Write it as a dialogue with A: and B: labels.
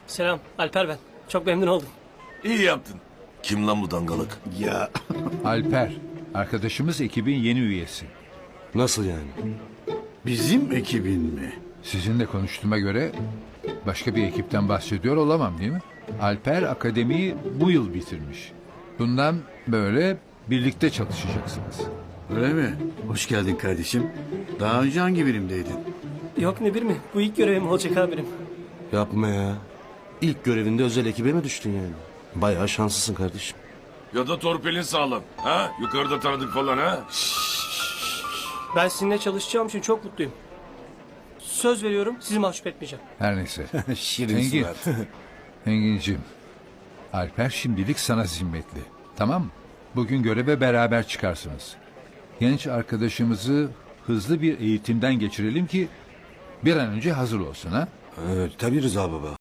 A: Selam, Alper ben. Çok memnun oldum.
B: İyi yaptın. Kim lan bu dangalık?
C: Ya
D: Alper, arkadaşımız ekibin yeni üyesi.
E: Nasıl yani?
C: bizim ekibin mi?
D: Sizinle konuştuğuma göre başka bir ekipten bahsediyor olamam değil mi? Alper akademiyi bu yıl bitirmiş. Bundan böyle birlikte çalışacaksınız.
C: Öyle mi? Hoş geldin kardeşim. Daha önce hangi birimdeydin?
A: Yok ne bir mi? Bu ilk görevim olacak amirim.
E: Yapma ya. İlk görevinde özel ekibe mi düştün yani? Bayağı şanslısın kardeşim.
B: Ya da torpilin sağlam. Ha? Yukarıda tanıdık falan ha?
A: Ben sizinle çalışacağım için çok mutluyum. Söz veriyorum sizi mahcup etmeyeceğim.
D: Her neyse.
E: Şirin
D: Engin.
E: surat.
D: Engin'cim, Alper şimdilik sana zimmetli. Tamam mı? Bugün göreve beraber çıkarsınız. Genç arkadaşımızı hızlı bir eğitimden geçirelim ki bir an önce hazır olsun ha?
E: Evet, tabii Rıza baba.